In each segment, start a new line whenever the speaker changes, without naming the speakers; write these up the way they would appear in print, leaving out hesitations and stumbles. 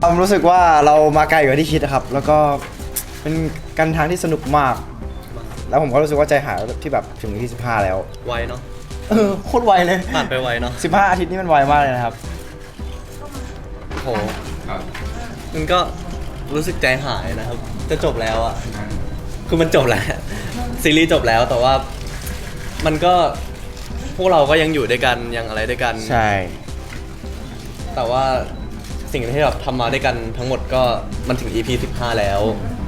รู้สึกว่าเรามาไกลกว่าที่คิดครับแล้วก็เป็นการทางที่สนุกมากแล้วผมก็รู้สึกว่าใจหายที่แบบถึงที่15แล้ว
ไวเนาะ
โคตรไวเลย
ผ่านไปไวเนาะ
15 อาทิตย์นี่มันไวมากเลยนะครับ
โหมันก็รู้สึกใจหายนะครับจะจบแล้วอ่ะคือมันจบแล้วซีรีส์จบแล้วแต่ว่ามันก็พวกเราก็ยังอยู่ด้วยกันยังอะไรด้วยกัน
ใช่
แต่ว่าสิ่งที่เราทำมาด้วยกันทั้งหมดก็มันถึง EP 15แล้ว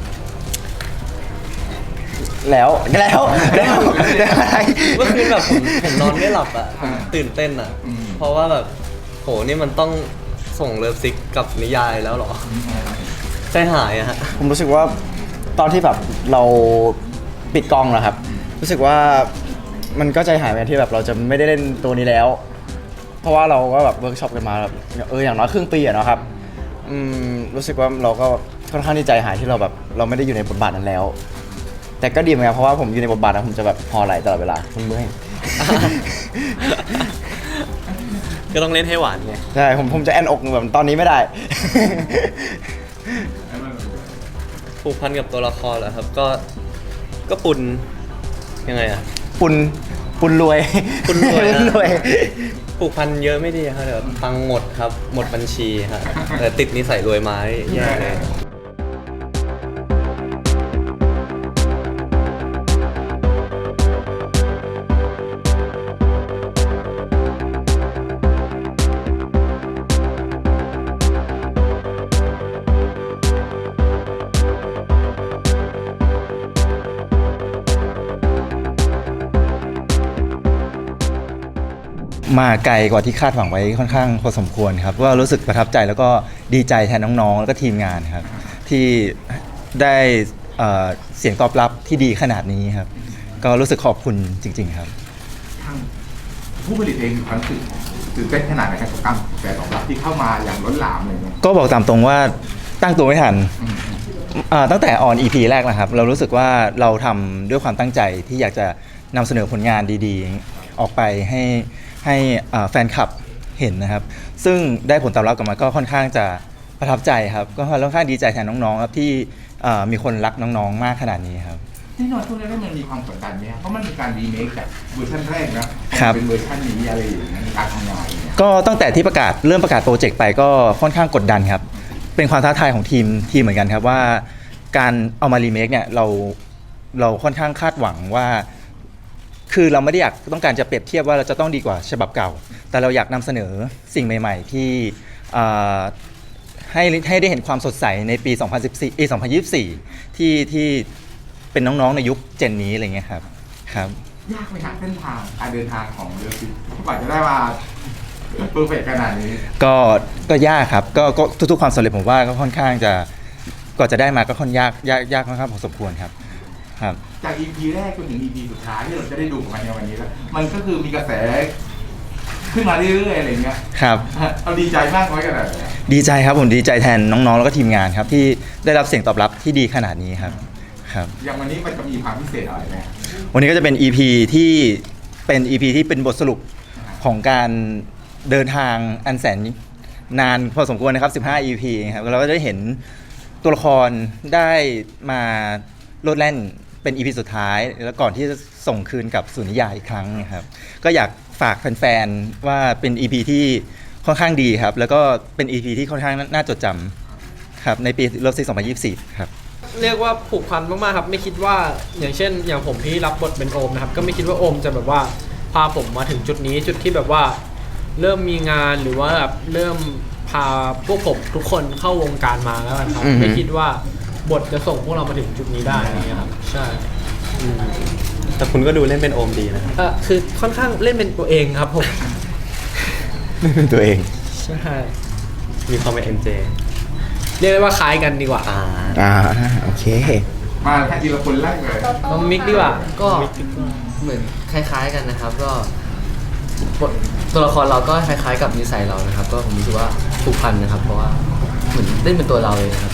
อะไร
เมื่อคืนแบบผมนอนไม่หลับอ่ะตื่นเต้นอ่ะเพราะว่าแบบโหนี่มันต้องส่งเลิฟซิกกับนิยายแล้วหรอใจหายอะฮะ
ผมรู้สึกว่าตอนที่แบบเราปิดกล้องแล้วครับรู้สึกว่ามันก็ใจหายไปที่แบบเราจะไม่ได้เล่นตัวนี้แล้วเพราะว่าเราก็แบบเวิร์กช็อปกันมาแบบอย่างน้อยครึ่งปีอะเนาะครับรู้สึกว่าเราก็ค่อนข้างที่ใจหายที่เราแบบเราไม่ได้อยู่ในบทบาทนั้นแล้วแต่ก็ดีเหมือนกันเพราะว่าผมอยู่ในบทบาทนั้นผมจะแบบพอไหลตลอดเวลาเมื่อย
ก็ต้องเล่นให้หวานไง
ใช่ผมจะแอนอกแบบตอนนี้ไม่ได้
ผูกพันกับตัวละครเหรอครับก็ปุนยังไงอะ
ปุนรวย
ผูกพันเยอะไม่ดีครับเดี๋ยวตังหมดครับหมดบัญชีครับแต่ติดนิสัยรวยไม้แย่เลย
มาไกลกว่าที่คาดหวังไว้ค่อนข้างพอสมควรครับว่ารู้สึกประทับใจแล้วก็ดีใจแทนน้องๆแล้วก็ทีมงานครับที่ได้เสียงตอบรับที่ดีขนาดนี้ครับก็รู้สึกขอบคุณจริงๆครับ
ทางผู้ผลิตเองมีความรู้สึกตื่นเต้นขนาดไหนกับการแสดงตอบรับที่เข้ามาอย่างล้นหลามเลยเนี่ย
ก็บอกตามตรงว่าตั้งตัวไม่ทันตั้งแต่ออน EP แรกนะครับเรารู้สึกว่าเราทำด้วยความตั้งใจที่อยากจะนำเสนอผลงานดีๆออกไปให้แฟนคลับเห็นนะครับซึ่งได้ผลตอบรับกลับมาก็ค่อนข้างจะประทับใจครับก็ค่อนข้างดีใจแทนน้องๆครับที่มีคนรักน้องๆมากขนาดนี้ครับ
แน่นอนช่วงแรกมันมีความกดดันไหมครับเพราะมันมีการรีเมคจากเวอร์ชันแรกนะเป็นเวอร์ชันนี้อะไรอย่างเงี้ยการทำงาน
ก็ตั้งแต่ที่เริ่มประกาศโปรเจกต์ไปก็ค่อนข้างกดดันครับเป็นความท้าทายของทีมเหมือนกันครับว่าการเอามารีเมคเนี่ยเราค่อนข้างคาดหวังว่าคือเราไม่ได้ต้องการจะเปรียบเทียบว่าเราจะต้องดีกว่าฉบับเก่าแต่เราอยากนำเสนอสิ่งใหม่ๆที่ให้ได้เห็นความสดใสในปี 2024 ที่เป็นน้องๆในยุคเจนนี้อะไรเงี้ยครับ
ยากไหมครับเส้นทางการเดินทางของเรือฟิกว่าจะได้มาเพอร์เฟกต์ขนาดนี้
ก็ยากครับก็ทุกๆความสำเร็จผมว่าก็ค่อนข้างจะก่อนจะได้มาก็ค่อนยากค่อนข้างพอสมควรครับ
จาก EP แรกจนถึง EP สุดท้ายที่เราจะได้ดูกันในวันนี้แล้วมันก็คือมีกระแสขึ้นมาเรื่อยๆอะไรเงี้ย
ครับ
เราดีใจมากน้อยขนาดไหน
ดีใจครับผมดีใจแทนน้องๆแล้วก็ทีมงานครับที่ได้รับเสียงตอบรับที่ดีขนาดนี้ครับ
อย่างวันนี้มันจะมีความพิเศษอะไรไหม
วันนี้ก็จะเป็น EP ที่เป็นบทสรุปของการเดินทางอันแสนนานพอสมควรนะครับ15 EP ครับเราก็ได้เห็นตัวละครได้มาโลดแล่นเป็น EP สุดท้ายแล้วก่อนที่จะส่งคืนกับสู่นิยายอีกครั้งนะครับก็อยากฝากแฟนๆว่าเป็น EP ที่ค่อนข้างดีครับแล้วก็เป็น EP ที่ค่อนข้างน่าจดจำครับในปีเลิฟซี2024ครับ
เรียกว่าผูกพันมากๆครับไม่คิดว่าอย่างเช่นอย่างผมที่รับบทเป็นโอมนะครับก็ไม่คิดว่าโอมจะแบบว่าพาผมมาถึงจุดนี้จุดที่แบบว่าเริ่มมีงานหรือว่าแบบเริ่มพาพวกผมทุกคนเข้าวงการมาแล้วครับไม่คิดว่าบทจะส่งพวกเรามาถึงจุดนี้ได้นะครับใช่
แต่คุณก็ดูเล่นเป็นโอมดีนะ
คือค่อนข้างเล่นเป็นตัวเองครับผม
เล่นเป็นตัวเอง
ใช่
มีความเป็น MJ
เรียกได้ว่าคล้ายกันดีกว่า
โอเค
มาแค่ทีละคนแรกเลย
น้องมิกดีกว่า
ก็เหมือนคล้ายๆกันนะครับก็ตัวละครเราก็คล้ายๆกับนิสัยเรานะครับก็ผมรู้สึกว่าผูกพันนะครับเพราะว่าเหมือนเล่นเป็นตัวเราเลยครับ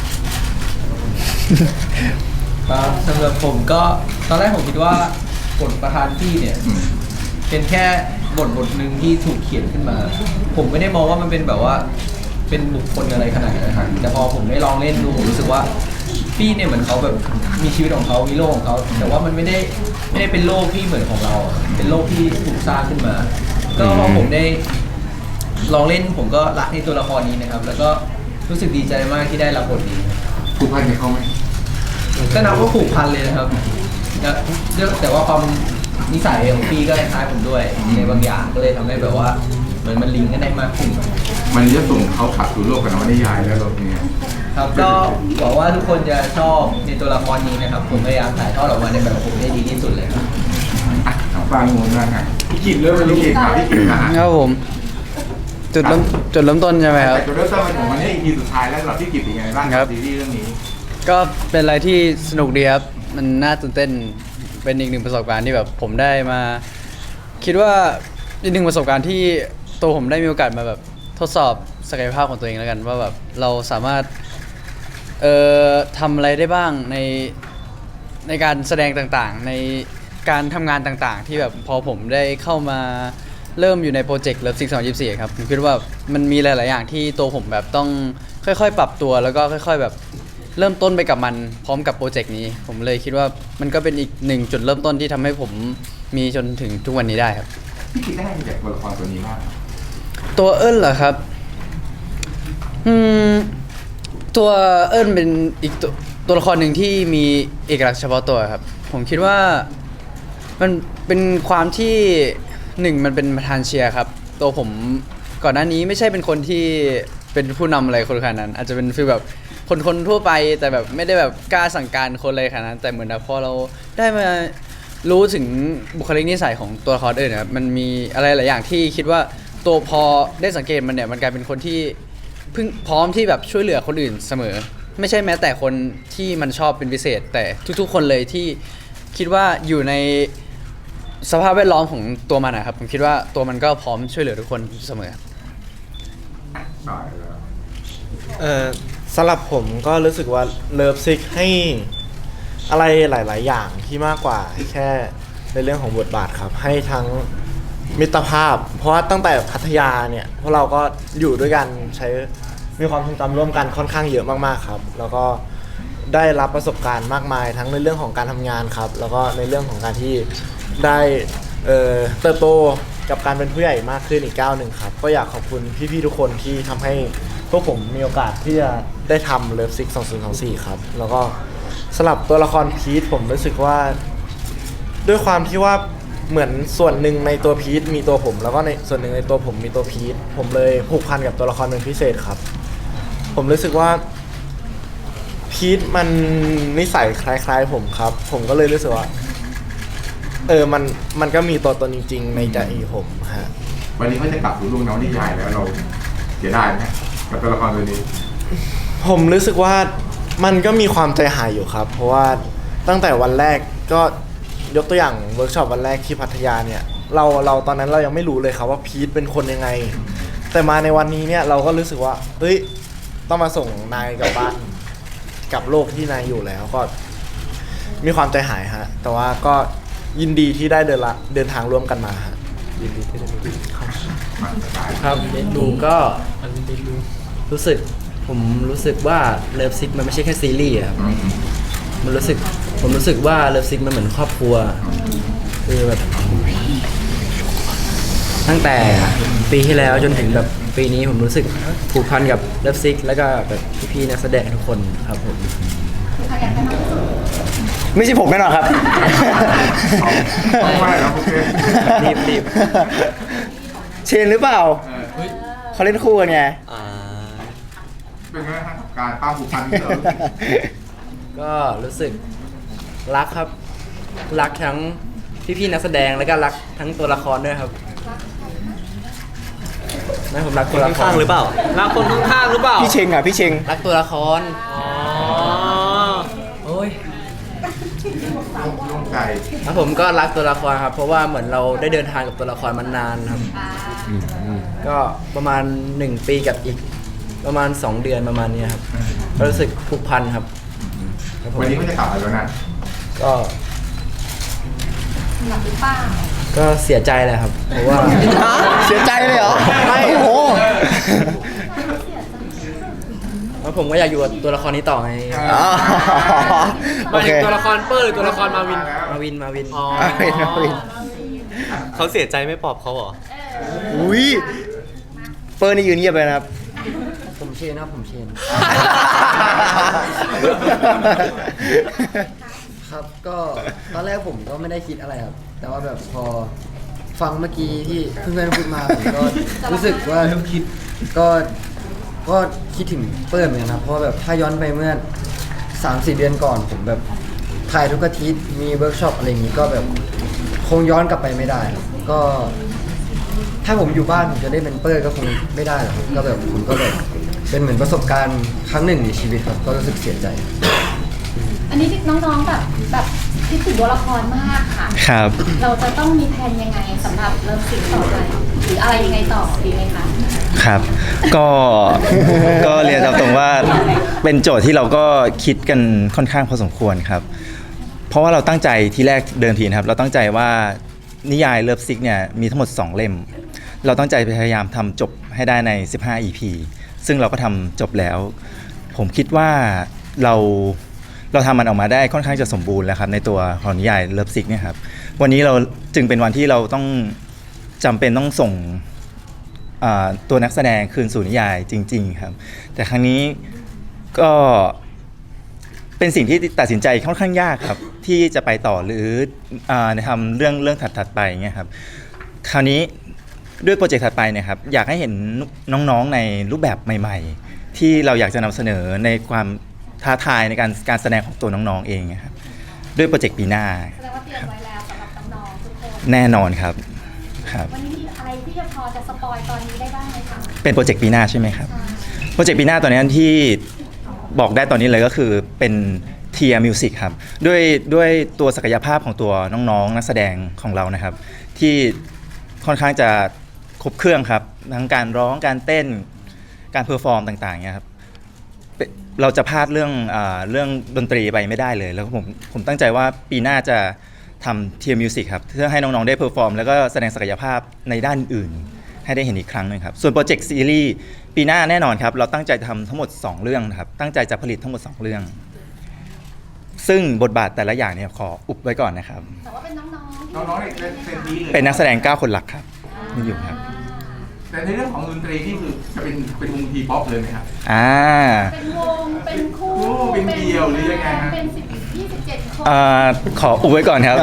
สำหรับผมก็ตอนแรกผมคิดว่าบทประธานที่เนี่ยเป็นแค่บทหนึ่งที่ถูกเขียนขึ้นมาผมไม่ได้มองว่ามันเป็นแบบว่าเป็นบุคคลอะไรขนาดนั้นนะครับแต่พอผมได้ลองเล่นดูผมรู้สึกว่าพี่เนี่ยเหมือนเขาแบบมีชีวิตของเขามีโลกของเขาแต่ว่ามันไม่ได้เป็นโลกที่เหมือนของเราอะเป็นโลกที่ถูกสร้างขึ้นมา ก็พอผมได้ลองเล่นผมก็รักในตัวละครนี้นะครับ แล้วก็รู้สึกดีใจมากที่ได้รับบทนี้
ผูกพันกับเขาไหม
ก็นับว่าผูกพันเลยนะครับแต่ว่าความนิสัยของพี่ก็คล้ายผมด้วยในบางอย่างก็เลยทำให้แบบว่าเหมือนมันลิงก์กันได้มากขึ้น
มันจะส่งเขาขับสู่โลกกับนวนิยายแล้วรถนี้
ครับก็หวังว่าทุกคนจะชอบในตัวละครนี้นะครับ ผมพยายามถ่ายทอดออกมาในแบบของผมได้ดีที่สุดเลยครับ
ฟังงูนะฮะพี่กินเริ่มพี่กินครับพี่กินนะฮะ
ครับผมจุดเริ่มต้นใช่ไหมครับ
แต่จุดเริ่มต้นมันถึงวันนี้ EP สุดท้ายแล้วสำหรับพี่กินเป็นยังไงบ้างกับซีรีส์เรื่องนี้
ก็เป็นอะไรที่สนุกดีครับ มันน่าตื่นเต้นเป็นอีกหนึ่งประสบการณ์ที่แบบผมได้มา คิดว่าอีกหนึ่งประสบการณ์ที่ตัวผมได้มีโอกาสมาแบบทดสอบศักยภาพของตัวเองแล้วกันว่าแบบเราสามารถทำอะไรได้บ้างในการแสดงต่างๆ ในการทำงานต่างๆ ที่แบบพอผมได้เข้ามาเริ่มอยู่ในโปรเจกต์Love Sick 2024ครับผมคิดว่ามันมีหลายๆอย่างที่ตัวผมแบบต้องค่อยๆปรับตัวแล้วก็ค่อยๆแบบเริ่มต้นไปกับมันพร้อมกับโปรเจกต์นี้ผมเลยคิดว่ามันก็เป็นอีกหนึ่งจุดเริ่มต้นที่ทำให้ผมมีจนถึงทุกวันนี้ได้ครับ
พี่กินได้มาจากตัวละครตัวนี้มาก
ตัวเอิ้นเหรอครับตัวเอิ้นเป็นอีกตัวละครหนึ่งที่มีเอกลักษณ์เฉพาะตัวครับผมคิดว่ามันเป็นความที่หนึ่งมันเป็นประธานเชียร์ครับตัวผมก่อนหน้านี้ไม่ใช่เป็นคนที่เป็นผู้นำอะไรคนขนาดนั้น อาจจะเป็นฟีลแบบคนทั่วไปแต่แบบไม่ได้แบบกล้าสั่งการคนเลยขนาดนั้นแต่เหมือนแบบพอเราได้มารู้ถึงบุคลิกนิสัยของตัวละครเอิ้นนะครับมันมีอะไรหลายอย่างที่คิดว่าตัวพอได้สังเกตมันเนี่ยมันกลายเป็นคนที่เพิ่งพร้อมที่แบบช่วยเหลือคนอื่นเสมอไม่ใช่แม้แต่คนที่มันชอบเป็นพิเศษ แต่ทุกๆคนเลยที่คิดว่าอยู่ในสภาพแวดล้อมของตัวมันนะครับผมคิดว่าตัวมันก็พร้อมช่วยเหลือทุกคนเสมอ
ต่อแล้ว
สำหรับผมก็รู้สึกว่าเลิฟซิกให้อะไรหลาย ๆ อย่างที่มากกว่าแค่ในเรื่องของบทบาทครับให้ทั้งมิตรภาพ เพราะว่าตั้งแต่พัทยาเนี่ยพวกเราก็อยู่ด้วยกันใช้มีความทรงจำร่วมกันค่อนข้างเยอะมากๆครับแล้วก็ได้รับประสบการณ์มากมายทั้งในเรื่องของการทำงานครับแล้วก็ในเรื่องของการที่ได้เติบโตกับการเป็นผู้ใหญ่มากขึ้นอีกก้าวหนึ่งครับก็อยากขอบคุณพี่ ๆ ทุกคนที่ทำให้พวกผมมีโอกาสที่จะได้ทำเลิฟซิก2024ครับแล้วก็สลับตัวละครพีทผมรู้สึกว่าด้วยความที่ว่าเหมือนส่วนหนึ่งในตัวพีทมีตัวผมแล้วก็ในส่วนหนึ่งในตัวผมมีตัวพีทผมเลยผูกพันกับตัวละครเป็นพิเศษครับผมรู้สึกว่าพีทมันนิสัยคล้ายๆผมครับผมก็เลยรู้สึกว่ามันก็มีตัวตนจริงๆในใจผมฮะ
วันนี้เขาจะกลับสู่โลกนวนิยายแล้วเราเสียดายไหมกับตัวละครตัวนี้
ผมรู้สึกว่ามันก็มีความใจหายอยู่ครับเพราะว่าตั้งแต่วันแรกก็ยกตัวอย่างเวิร์กช็อปวันแรกที่พัทยาเนี่ยเราตอนนั้นเรายังไม่รู้เลยครับว่าพีทเป็นคนยังไงแต่มาในวันนี้เนี่ยเราก็รู้สึกว่าเฮ้ยต้องมาส่งนายกลับบ้านกับโลกที่นายอยู่แล้วก็มีความใจหายฮะแต่ว่าก็ยินดีที่ได้เดินทางร่วมกันมาฮะยินดีที่ได้ครับ
ครับผมก็ผมรู้สึกว่าเลิฟซิกมันไม่ใช่แค่ซีรีส์ครับผมรู้สึกว่าเลิฟซิกมันเหมือนครอบครัวคือแบบตั้งแต่ปีที่แล้วจนถึงแบบปีนี้ผมรู้สึกผูกพันกับเลิฟซิกแล้วก็แบบพี่ๆนักแสดงทุกคนครับผม
ไม่ใช่ผมแน่นอนครับ
ไม่แล้วโอเค
รีบ
เชนหรือเปล่าเขาเล่นคู่กันไง
เป็นไงครับการป้าผูกพันที่เรา
ก็รู้สึกรักครับรักทั้งพี่ๆนักแสดงแล้วก็รักทั้งตัวละครด้วยครับนั่นผมรักตัวละคร
ข้างๆหรือเปล่า
รักคนข้างๆหรือเปล่า
พี่เชงอ่ะพี่เชง
รักตัวละคร
อ๋อ
โอ้ย
โล่งใจ
ครับผมก็รักตัวละครครับเพราะว่าเหมือนเราได้เดินทางกับตัวละครมานานครับก็ประมาณ1 ปีกับอีกประมาณ2 เดือนประมาณนี้ครับก็รู้สึกผูกพันครับครับผม
วันนี้เขาจะกลับมาแล้วนะ
ก็ก็เสียใจแหละครับเพราะว่า
เสียใจเลยเหรอไม่โอ้โห
เพราะผมก็อยากอยู่กับตัวละครนี้ต่อไง
อ๋อ
หมายถึงตัวละครเปอร์หรือตัวละครมาวิน
มาวิน
อ๋อ
เขาเสียใจไม่ปลอบเขาเหรอ
อุ้ยเปิร์นี่ยืนเงียบเลยนะครับ
ผมเชนนะผมเชน ครับก็ตอนแรกผมก็ไม่ได้คิดอะไรครับ แต่ว่าแบบพอฟังเมื่อกี้ที่เพื่อนๆพูดมาผมก็รู้สึกว่าก็คิดถึงเปิ้ลเหมือนกันนะเพราะว่าแบบถ้าย้อนไปเมื่อ 3-4 เดือนก่อนผมแบบถ่ายทุกอาทิตย์มีเวิร์กช็อปอะไรอย่างนี้ก็แบบคงย้อนกลับไปไม่ได้ครับก็ถ้าผมอยู่บ้านผมจะได้เป็นเปิ้ลก็คงไม่ได้หรอกครับก็แบบผมก็แบบเป็นเหมือนประสบการณ์ครั้งหนึ่งในชีวิตครับก็รู้สึกเสียใจ
อันนี้น้องๆแบบคิดถึงตัวละครมากค่ะ
ครับ
เราจะต้องมีแผนยังไงสำหรับเริ่มสิ่งต่อไปหรืออะไรยังไงต่อดีไหมคะ
ครับ ก็เรียนตามตรงว่าเป็นโจทย์ที่เราก็คิดกันค่อนข้างพอสมควรครับ เพราะว่าเราตั้งใจที่แรกเดิมทีนะครับ เราตั้งใจว่านิยายเลิฟซิกเนี่ยมีทั้งหมด 2 เล่ม เราตั้งใจพยายามทำจบให้ได้ใน 15 EP ซึ่งเราก็ทำจบแล้ว ผมคิดว่าเราทำมันออกมาได้ค่อนข้างจะสมบูรณ์แล้วครับในตัวของนิยายเลิฟซิกเนี่ยครับวันนี้เราจึงเป็นวันที่เราต้องจำเป็นต้องส่งตัวนักแสดงคืนสู่นิยายจริงๆครับแต่ครั้งนี้ก็เป็นสิ่งที่ตัดสินใจค่อนข้างยากครับที่จะไปต่อหรือทำเรื่องถัดไปเงี้ยครับคราวนี้ด้วยโปรเจกต์ถัดไปเนี่ยครับอยากให้เห็นน้องๆในรูปแบบใหม่ๆที่เราอยากจะนำเสนอในความท้าทายในการแสดงของตัวน้องๆเองครับด้วยโปรเจกต์ปีหน้า
แสดงว่าเตรียมไว้แล้วสำหรับน้องๆทุกคน
แน่นอนครับครับ
วันนี้มีอะไรที่จะพอจะสปอยตอนนี้ได้บ้างไหมคะ
เป็นโปรเจกต์ปีหน้าใช่ไหมครับโปรเจกต์ปีหน้าตอนนี้ที่บอกได้ตอนนี้เลยก็คือเป็นเทียร์มิวสิกครับด้วยตัวศักยภาพของตัวน้องๆนักแสดงของเรานะครับที่ค่อนข้างจะครบเครื่องครับทั้งการร้องการเต้นการเพอร์ฟอร์มต่างๆเนี่ยครับเราจะพลาดเรื่องดนตรีไปไม่ได้เลยแล้วผมตั้งใจว่าปีหน้าจะทำเทียร์มิวสิกครับเพื่อให้น้องๆได้เพอร์ฟอร์มแล้วก็แสดงศักยภาพในด้านอื่นให้ได้เห็นอีกครั้งหนึงครับส่วนโปรเจกต์ซีรีส์ปีหน้าแน่นอนครับเราตั้งใจทำทั้งหมด2เรื่องครับตั้งใจจะผลิตทั้งหมด2เรื่องซึ่งบทบาทแต่ละอย่างเนี่ยขออุบไว้ก่อนนะครับ
แต่ว่าเป็นน้องๆ
น้องๆเนี่ยเป็นทีเลย
เป็นนักแสดง9คนหลักครับนี่อยู่ครับ
แต่ในเรื่องของดนตรีนี่คือจะเป็นวงทีป๊อปเลยไหมครับ
เป็นวงเป็นคู่
เป็นเดี่ยวหรือยังไงฮะ
เป็น27 คน
ขออุบไว้ก่อนครับ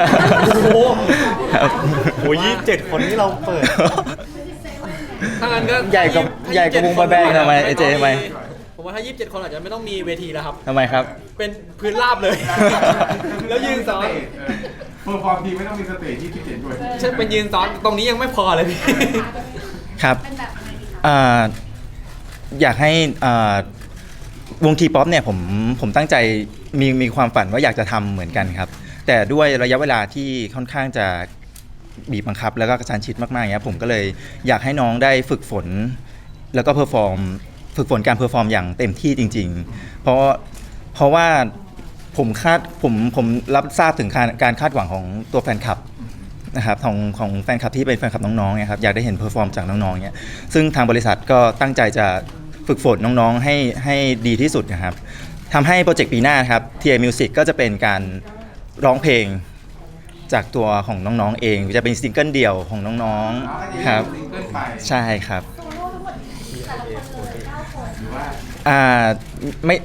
ครับ
โอ้ย27 คนที่เราเปิด
ถ้างั้นก็
ใหญ่กว่าวงบอยแบนด์ทำไมไอเจทำไม
ผมว่าถ้า 27 คนอาจจะไม่ต้องมีเวทีแล้วครับ
ทำไมครับ
เป็นพื้นราบเลย แล้วยืนซ้อน
เพอร์ฟอร์มทีไม่ต้องมีสเตจที่พิเศษด้วย
ใช่เป็นยืนซ้อนตรงนี้ยังไม่พอเลยพี่
ครับ
เป็นแบบไหนดีคะ
อยากให้วงทีป๊อปเนี่ยผมตั้งใจมีความฝันว่าอยากจะทำเหมือนกันครับ แต่ด้วยระยะเวลาที่ค่อนข้างจะบีบบังคับแล้วก็กระชั้นชิดมากๆอย่างเงี้ยผมก็เลยอยากให้น้องได้ฝึกฝนแล้วก็ฝึกฝนการเพอร์ฟอร์มอย่างเต็มที่จริงๆ เพราะว่าผมรับทราบถึงการคาดหวังของตัวแฟนคลับนะครับของแฟนคลับที่เป็นแฟนคลับน้องๆเนี่ยครับอยากได้เห็นเพอร์ฟอร์มจากน้องๆเนี่ยซึ่งทางบริษัทก็ตั้งใจจะฝึกฝนน้องๆให้ดีที่สุดนะครับทำให้โปรเจกต์ปีหน้าครับ TA Music ก็จะเป็นการร้องเพลงจากตัวของน้องๆเองจะเป็นซิงเกิลเดี่ยวของน้องๆครับ
ซิงเกิลไป
ใช่ครับ
โซโล่ทั้งหมดแต่ละคนเลย9 คน
หรือว่า
ไม่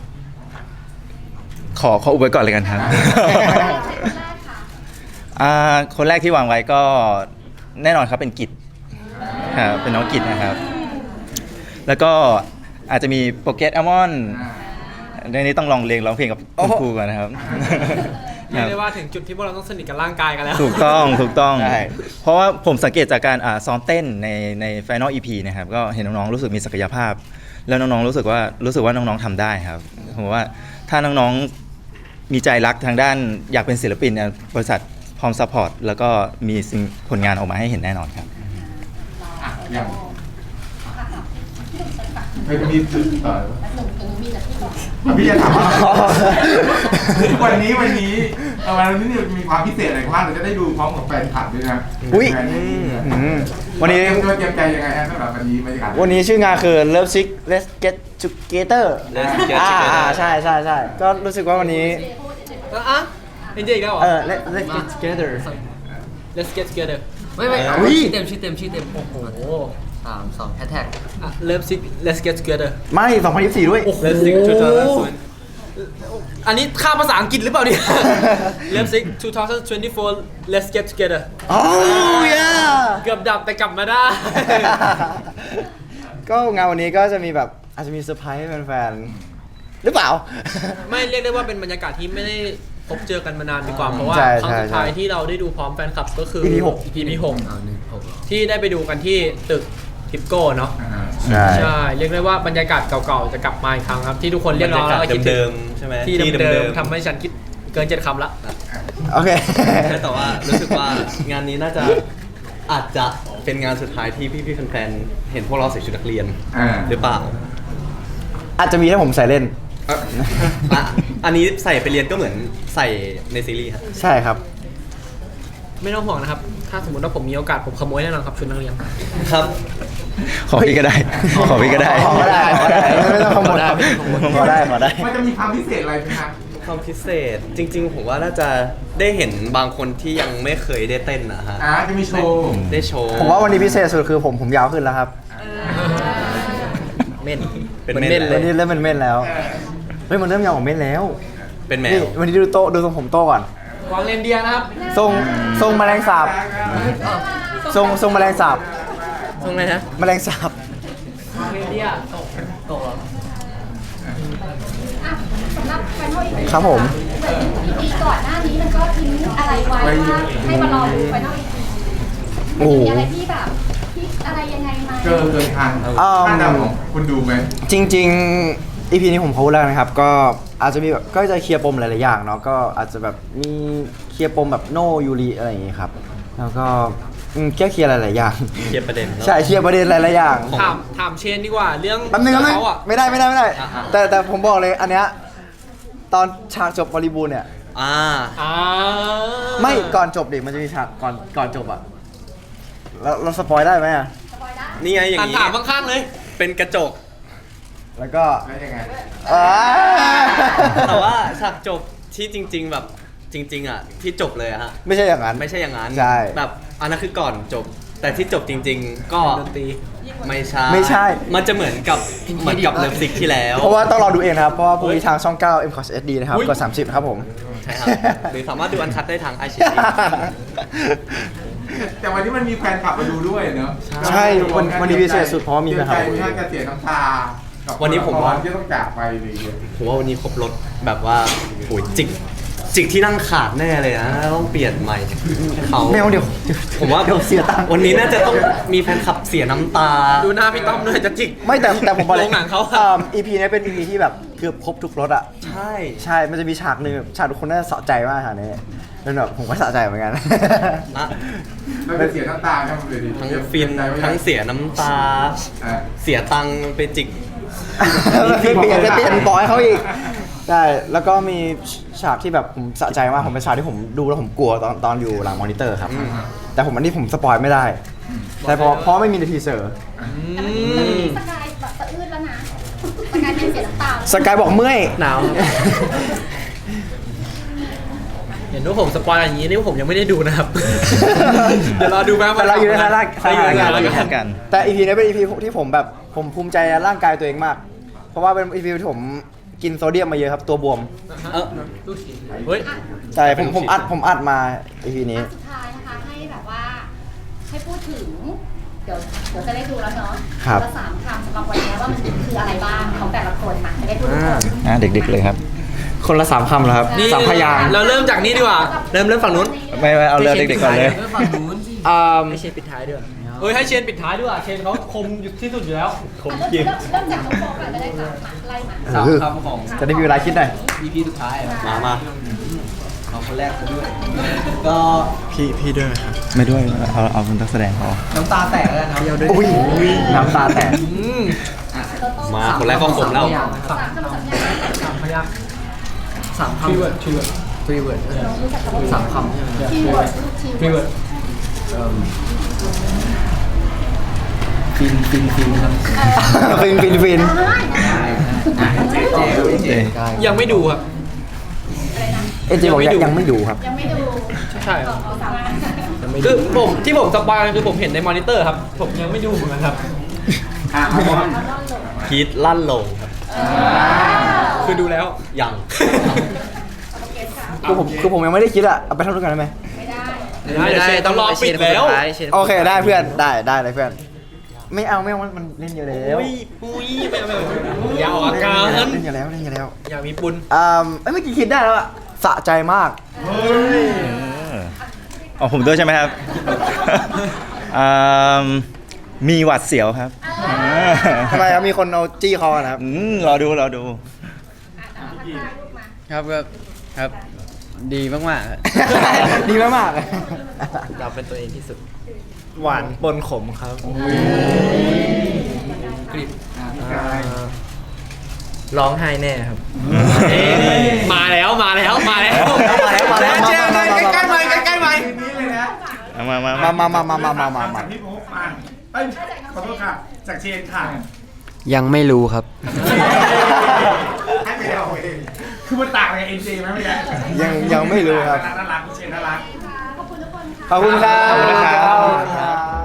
ขออุบไว้ก่อนเลยกันครับ
คนแรกค่ะ
คนแรกที่วางไว้ก็แน่นอนครับเป็นกิจครับเป็นน้องกิจนะครับ แล้วก็อาจจะมีโปรเกรสอัลมอนด์ในนี้ต้องลองเรียนร้องเพลงกับคุณครูก่อนนะครับ
เรียกได้ว่าถึงจุดที่พวกเราต้องสนิทกับร่างกายกันแล้ว
ถูกต้อง
ใช่
เพราะว่าผมสังเกตจากการซ้อมเต้นใน Final EP นะครับก็เห็นน้องๆรู้สึกมีศักยภาพ แล้วน้องๆรู้สึกว่าน้องๆทำได้ครับผมว่าถ้าน้องๆมีใจรักทางด้านอยากเป็นศิลปินเนี่ยบริษัทพร้อมซัพพอร์ตแล้วก็มีผลงานออกมาให้เห็นแน่นอนครับ
อ่ะอย่างไม่มีจุดต่อ
แล้วหนุ่มมีแต่ที่บอก
พี่จะถามว่าวันนี้วันนี้มีความพิเศษอะไรบ้างเราจะได้ดูพร้อมกับแฟนคลับด้วยนะ
อุ๊ย
แฟนคลับ
วันนี้
เตรียมใจยังไงฮะสำหรับวันนี้บรรยากาศ
วันนี้ชื่องานคือ Love Sick Let's Get together
Let's get together
ใช่ใช่ใช่ก็รู้สึกว่าวันนี้
อ่ะเอ็นเจอีกแล้วเหรอ
let's get together
Let's get together
ไม่
อุ๊ย
ชื่อเต็มโอ้โห3 2แฮชแท็ก
อ่ะ Let's get together
ไม่ 2024 ด้วย
Let's stick to the
อันนี้ข้ามภาษาอังกฤษหรือเปล่าเนี่ย Let's stick 2024 Let's get together
โอ้ย
เกือบดับแต่กลับมาได้
ก็งานวันนี้ก็จะมีแบบอาจจะมีเซอร์ไพรส์ให้แฟนๆหรือเปล่า
ไม่เรียกได้ว่าเป็นบรรยากาศที่ไม่ได้พบเจอกันมานานดีกว่า เพราะว่า
ใช่
ครั้งสุดท้าย
ใช่
ที่เราได้ดูพร้อมแฟนคลับก็คือ
EP
EP
1 6
6ที่ได้ไปดูกันที่ตึกทิปโก้เนาะ
ใช่
ใช่ เรียกได้ว่าบรรยากาศเก่าๆจะกลับมาอีกครั้งครับ ที่ทุกคนเรียกร้องแล้วก็คิดถึ
เดิ
ง
มๆใช่ไหม
ที่เดิมๆทำให้ฉันคิดเกิน7 คำละ
โอเค
ใช่แต่ว่ารู้สึกว่างานนี้น่าจะอาจจะเป็นงานสุดท้ายที่พี่ๆแฟนๆเห็นพวกเราใส่ชุดนักเรียนหรือเปล่า
อาจจะมีถ้าผมใส่เล่น
อ่ะอันนี้ใส่ไปเรียนก็เหมือนใส่ในซีรีส์ครับ
ใช่ครับ
ไม่ต้องห่วงนะครับ ถ้าสมมติว่าผมมีโอกาสผมขโมยแน่นอนครับชุดนักเรียน
ครับ
ขอพี่ก็ได้ ขอพี่ก็ได้
ขอได้ไม่ต้องขโมยขอได้
มันจะมีความพิเศษอะไรไหมครับ
ความพิเศษจริงๆ ผมว่าน่าจะได้เห็นบางคนที่ยังไม่เคยได้เต้นนะฮะ
จะมีโชว์
ได้โชว์
ผมว่าวันนี้พิเศษสุดคือผมยาวขึ้นแล้วครับ
เม่นเป็น
วัน
เม่นเลย
นี้เริ่มเป็นเม่นแล้วเฮ้ยมันเริ่มยาวกว่าเม่นแล้ว
เป็นแม
นี่
ว
วันนี้ดูโตดูทรงผมโตก่อน
วางเรนเดียร์นะครับ
ทรงแมลงสาบทรงแมลงสาบ
ตรงไหนฮะ
แมลงสาบ
วางเรนเดียร์
อ่ะสำหรับแฟนโมอีก
ครับผม
เหมือนอีพีก่อนหน้านี้มันก็ทิ้งอะไรไว้ว่าให้มารอดูไฟนอลอีพี
โอ้โห
มีอะไรที่แบบที่อะไรยังไงไหม
เกินทางคาดเดาของคุณดูไหม
จริงๆ EP นี้ผมพูดแล้วนะครับ ก็อาจจะมีแบบก็จะเคลียร์ปมหลายๆอย่างเนาะก็อาจจะแบบมีเคลียร์ปมแบบโนยูริอะไรอย่างงี้ครับ แล้วก็แก้เคลียร์หลายๆอย่าง
เคลียร์ประเด็นเนอะ
ใช่เคลียร์ประเด็นหลายๆอย่าง
ถามเชนดีกว่าเรื่อง
แป๊บนึง
เขาอ่ะ
ไม่ได้
อ่ะ
แต่ผมบอกเลยอันเนี้ยตอนฉากจบบริบูรณ์เนี่ย
อ่า
ไม่ก่อนจบดิมันจะมีฉากก่อนจบอะแล้วเราสปอยได้ไหมอะ
นี่ไงอย่างนี้
ถามข้างๆเลย
เป็นกระจก
แล้วก็
แล้วยังไง
อ่า
แต่ว่าฉากจบที่จริง ๆ แบบจริง ๆ อ่ะ ที่จบเลยอะฮะ
ไม่ใช่อย่างนั้น
ไม่ใช่อย่างนั้น
ใช่
แบบอันนั้นคือก่อนจบ แต่ที่จบจริง ๆ ก็
ดนตรี
ไม่ใช่
ไม่ใช่
มันจะเหมือนกับเลิฟซิกที่แล้ว
เพราะว่าต้องรอดูเองนะครับ เพราะว่าพรุ่งนี้ทางช่อง 9 m c o s HD นะครับกด30 ครับผม
ใช่ครับ หรือสามารถดูอันคัดได้ทางไอชี
แต่วันนี้มันมีแฟนคลับมาดูด้วยเนอะ
ใช่วันนี้พิเศษสุดเพราะว่ามีแฟนคลับ
เสียใจไหมจะเสียน้ำตากับ
วันนี้ผมว่า
ที่ต้องจากไปเลย
ผมว่าวันนี้ครบรถแบบว่าโอ้ยจิกที่นั่งขาดแน่เลยนะต้องเปลี่ยนใหม่เขา
ไม่เอาเดี๋ยว
ผมว่า
เดี๋ยวเสียตังค์
วันนี้น่าจะต้องมีแฟนคลับเสียน้ำตา
ดูหน้าพี่ต้อมด้วยจะจิก
ไม่แต่ผมบอกเลย
โรงหนังเขา
EP นี้เป็น EP ที่แบบเกือบครบทุกรสอ่ะ
ใช่
ใช่ มันจะมีฉากหนึ่งแบบฉากทุกคนน่าจะสะใจมากฉากนี้แล้วแบบผมก็สะใจเหมือนกัน
นะ
เราจะเสียน้ำตาทั้งเลยดิ
ทั้งฟินทั้งเสียน้ำตา เสียตังค์ไปจิก
เปลี่ยนบอยเขาอีกใช่แล้วก็มีฉากที่แบบผมสะใจมากผมเป็นฉากที่ผมดูแล้วผมกลัวตอนอยู่หลังมอนิเตอร์ครับ แต่ผมอันนี้ผมสปอยไม่ได้แต่เพราะไม่มีในทีเซอร์
แต่มันมีสกายแบบสะอื้นแล้วนะสกายเป็นเสียน้ำตา
สกายบอกเมื่อย
หนาว เห็นว่าผมสปอยอย่างนี้นี่ผมยังไม่ได้ดูนะครับ เดี๋ยวรอดูแป๊บ
แต่เราอยู่ในฐานะ
เราอยู่ในฐานะ
เราอยู่ในฐานะ กัน
แต่ EP นี้เป็น EP ที่ผมแบบผมภูมิใจในร่างกายตัวเองมาก เพราะว่าเป็น EP ที่ผมกินโซเดียมมาเยอะครับตัวบวม
เฮ้ย
ใช่ผมอัดมา EP นี้
สุดท้ายนะคะให้แบบว่าให้พูดถึงเดี๋ยวจะได้ดูแล้วเนาะ
ครับ
ละ3 คำสำหรับวันนี้ว่ามันคืออะไรบ้างของแต่ละคนมาจะได้พูดถึง
เด็กๆเลยครับ
คนละ3 คำแล้วครับ
นี่
3 พยางค์
เราเริ่มจากนี้ดีกว่า
เริ่มฝั่งนู้น
ไม่เอาเรื่องเด็กๆก่อนเลย
ฝั่งนู้นสิ
ไม่ใช่ปิดท้ายด้วยเฮ้ยให้เชนปิดท้ายด้วยเชนเขาคมอยู่ที่สุดอยู่แล้ว
เริ่มจากน้องโฟก่อนก็ได้ค่ะมาไล่มา
สามคำของ
จะได้มีเวลาคิดหน่อย
EP สุดท้ายอะ
มา
เอาคนแรกคนด้วย ก็
พี่ด้วยครับ ไม่ด้วย เอาเป็นนักแสดงพอ
น้ำตาแตกแล้วกันครับ
อุ้ยน้ำตาแตก
มาคนแรกก็คมแล้ว
3 คำสัญญา
3 พยัก
3 คำ
คีย์เวิร์ด
ฟรีเวิร์ด
น้องรู้จักคำว่า
3 คำใช่ไหม
คีย์เวิร์ดลูกคีย์
คีย์
เวิ
เวิ
ร์ด
ร์ด
ฟินครับ
ฟิน
ได้นะ
ยังไม่ดูครับ
เอเจบอกยังไม่ดูครับ
ยังไม่ดู
ใช่ครับคือผมที่ผมสปอยคือผมเห็นในมอนิเตอร์ครับ ผมยังไม่ดูเหมือนกันครับ
คิดลั่นลงครับ
คือดูแล้ว
ยัง
คือผมยังไม่ได้คิดอะเอาไปทำด้วยกันได้ไหม
ไม่ได้ต้องรอปิดแล้ว
โอเคได้เพื่อนได้เลยเพื่อน ไม่เอามันเล่นเยอะแล้ว
ปุ้ยไม่เอาอย่าออกอาการ
เล่นเยอะแล้ว
อย่ามีปุน
เมื่อกี้คิดได้แล้วอะสะใจมาก
อ๋อผมด้วยใช่ไหมครับ มีหวัดเสียวครับ
ทำไมครับมีคนเอาจี้คอนะครับ
รอดู
ครับก็ครับดีมากๆครับ
ดีมาก
เราเป็นตัวเองที่สุด
หวานปนขมครับ
ร้องไห้แน่ครับ
มาแล้ว
มาแล้วเจ๊ใกล้ๆไหม
มา
จากพี่พกมาเอ้ยขอโทษค่ะ จากเชนค่ะ
ยังไม่รู้ครับ
ให้ไปเอาเองคือมันต่างกับเอ็นเจไหมไม่ใช่
ยังไม่รู้ครับ
น่ารักพี่เชนน่ารัก
ขอบคุณทุกคนค่ะ
ขอบคุณครับ
ขอบคุณครับ